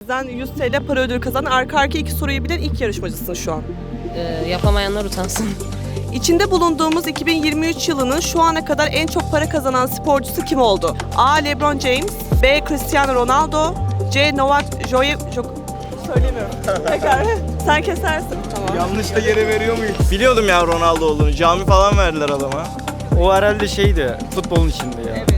bizden 100 TL para ödülü kazanan arka arkaya 2 soruyu bilen ilk yarışmacısın şu an. Yapamayanlar utansın. İçinde bulunduğumuz 2023 yılının şu ana kadar en çok para kazanan sporcusu kim oldu? A. LeBron James, B. Cristiano Ronaldo, C. Novak Söylemiyorum. Tekrar. Sen kesersin. Tamam. Yanlış da yere veriyor muyuz? Biliyordum ya Ronaldo olduğunu. Cami falan verdiler adama. O herhalde şeydi, futbolun içinde ya. Evet.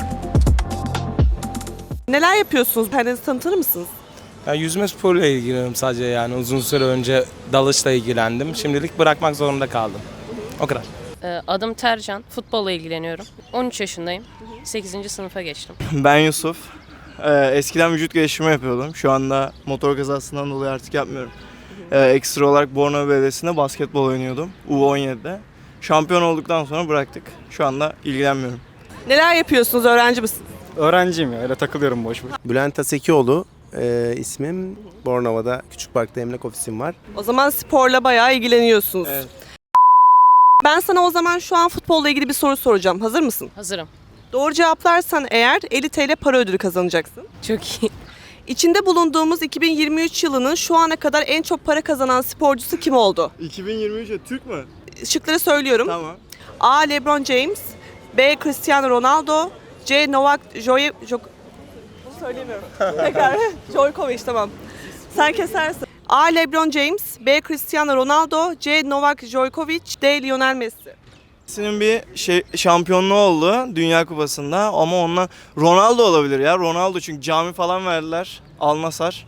Neler yapıyorsunuz? Kendinizi tanıtır mısınız? Ben yüzme sporuyla ilgileniyorum sadece, yani uzun süre önce dalışla ilgilendim. Şimdilik bırakmak zorunda kaldım. O kadar. Adım Tercan. Futbolla ilgileniyorum. 13 yaşındayım. 8. sınıfa geçtim. Ben Yusuf. Eskiden vücut geliştirme yapıyordum. Şu anda motor kazasından dolayı artık yapmıyorum. Ekstra olarak Bornova Belediyesi'nde basketbol oynuyordum. U17'de. Şampiyon olduktan sonra bıraktık. Şu anda ilgilenmiyorum. Neler yapıyorsunuz? Öğrenci misiniz? Öğrenciyim ya, öyle takılıyorum boş boş. Bülent Asekioğlu ismim. Bornova'da Küçük Park'ta emlak ofisim var. O zaman sporla bayağı ilgileniyorsunuz. Evet. Ben sana o zaman şu an futbolla ilgili bir soru soracağım. Hazır mısın? Hazırım. Doğru cevaplarsan eğer 50 TL para ödülü kazanacaksın. Çok iyi. İçinde bulunduğumuz 2023 yılının şu ana kadar en çok para kazanan sporcusu kim oldu? 2023'e Türk mü? Şıkları söylüyorum. Tamam. A. LeBron James, B. Cristiano Ronaldo, C. Novak Bunu söyleyemiyorum. Tekrar. Djokovic, tamam. Sen kesersin. A. LeBron James, B. Cristiano Ronaldo, C. Novak Djokovic, D. Lionel Messi. Messi'nin bir şampiyonluğu oldu Dünya Kupası'nda ama ondan Ronaldo olabilir ya. Ronaldo çünkü cami falan verdiler. Al Nassr.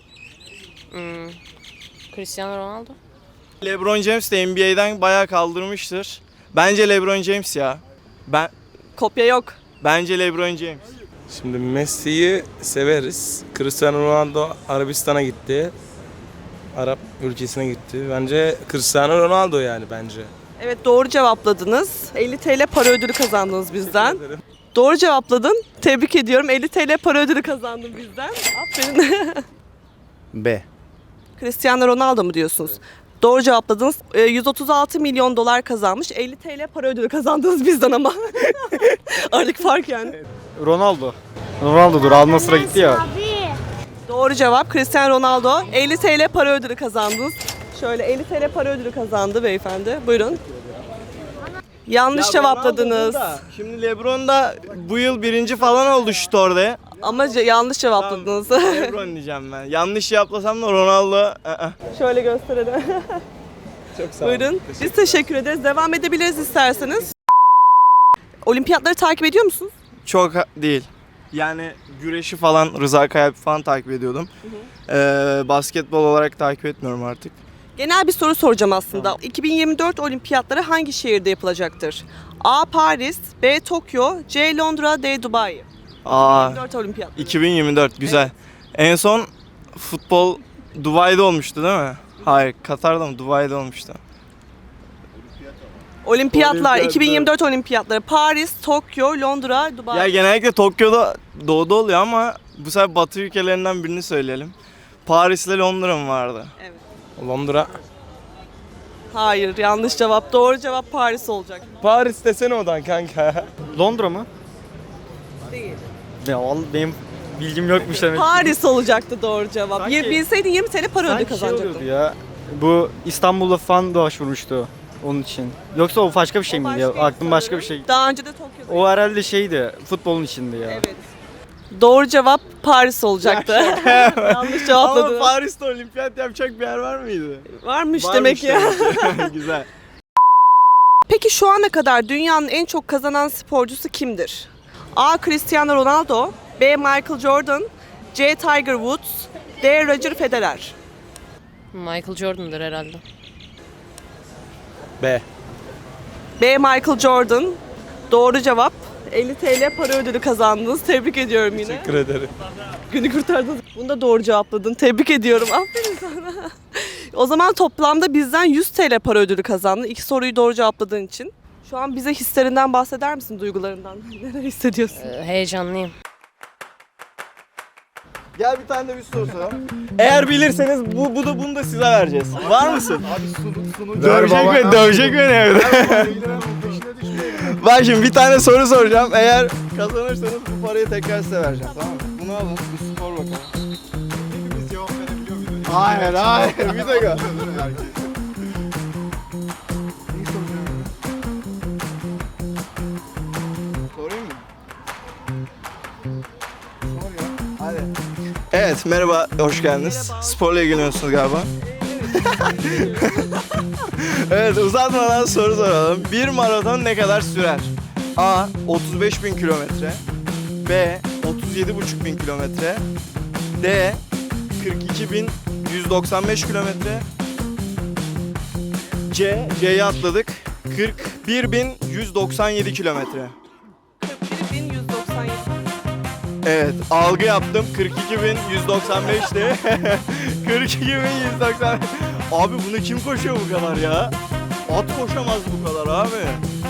Cristiano Ronaldo. LeBron James de NBA'den bayağı kaldırmıştır. Bence LeBron James ya. Kopya yok. Bence LeBron James. Şimdi Messi'yi severiz. Cristiano Ronaldo Arabistan'a gitti. Arap ülkesine gitti. Bence Cristiano Ronaldo yani bence. Evet, doğru cevapladınız. 50 TL para ödülü kazandınız bizden. Doğru cevapladın. Tebrik ediyorum. 50 TL para ödülü kazandın bizden. Aferin. B. Cristiano Ronaldo mu diyorsunuz? Doğru cevapladınız. 136 milyon dolar kazanmış. 50 TL para ödülü kazandınız bizden ama. Aradaki fark yani. Ronaldo'dur, Al Nassr'a gitti ya. Doğru cevap Cristiano Ronaldo. 50 TL para ödülü kazandınız. Şöyle 50 TL para ödülü kazandı beyefendi. Buyurun. Yanlış cevapladınız. Ronaldo da, şimdi LeBron da bu yıl birinci falan oldu şut orada. Ama yanlış cevapladınız. LeBron diyeceğim ben. Yanlış yaplasam da Ronaldo. Şöyle gösterelim. Çok sağ olun. Buyurun. Biz teşekkür ederiz. Devam edebiliriz isterseniz. Olimpiyatları takip ediyor musunuz? Çok değil. Yani güreşi falan, Rıza Kayalp falan takip ediyordum. Basketbol olarak takip etmiyorum artık. Genel bir soru soracağım aslında. 2024 olimpiyatları hangi şehirde yapılacaktır? A. Paris, B. Tokyo, C. Londra, D. Dubai. Aa, 2024 olimpiyat. 2024 güzel. En son futbol Dubai'de olmuştu değil mi? Hayır, Katar'da mı? Dubai'de olmuştu. Olimpiyatlar, Olimpiyat, 2024 olimpiyatları. Paris, Tokyo, Londra, Dubai. Ya genellikle Tokyo'da doğuda oluyor ama bu sefer Batı ülkelerinden birini söyleyelim. Paris ile Londra mı vardı? Evet. Londra. Hayır, yanlış cevap. Doğru cevap Paris olacak. Paris desene odan kanka. Londra mı? Değil. Ya benim bilgim yokmuş demek. Paris olacaktı doğru cevap. Sanki- Bilseydin 20 TL para ödülü Sanki kazanacaktın. oluyordu ya. Bu İstanbul'da falan başvurmuştu onun için. Yoksa o başka bir şey miydi ya? Aklım başka bir şey. Daha önce de Tokyo'da. O herhalde şeydi, futbolun içinde ya. Evet. Doğru cevap Paris olacaktı. Yanlış Ama cevapladın. Paris'te olimpiyat yapacak bir yer var mıydı? Varmış Varmış demek ya. demek ki. Güzel. Peki şu ana kadar dünyanın en çok kazanan sporcusu kimdir? A. Cristiano Ronaldo, B. Michael Jordan, C. Tiger Woods, D. Roger Federer. Michael Jordan'dır herhalde. B. B. Michael Jordan. Doğru cevap. 50 TL para ödülü kazandınız. Tebrik ediyorum yine. Teşekkür ederim. Günü kurtardın. Bunu da doğru cevapladın. Tebrik ediyorum. Aferin sana. O zaman toplamda bizden 100 TL para ödülü kazandın. İki soruyu doğru cevapladığın için. Şu an bize hislerinden bahseder misin, duygularından? Neler hissediyorsun? Heyecanlıyım. Gel bir tane de bir soru soralım. Eğer bilirseniz bunu da size vereceğiz. Var mısın? Dövecek beni evde. Bak şimdi bir tane soru soracağım. Eğer kazanırsanız bu parayı tekrar size vereceğim, tamam mı? Bunu alın, bir spor bakalım. Hayır hayır bir dakika. Sorayım mı? Sor ya. Hadi. Evet merhaba hoş geldiniz. Merhaba. Sporla ilgileniyorsunuz galiba. Evet uzatmadan soru soralım. Bir maraton ne kadar sürer? A. 35.000 kilometre. B. 37.500 kilometre. D. 42.195 kilometre. C'yi atladık. 41.197 kilometre. 41.197. Evet, algı yaptım. 42.195'ti. 42.190. Abi bunu kim koşuyor bu kadar ya? At koşamaz bu kadar abi.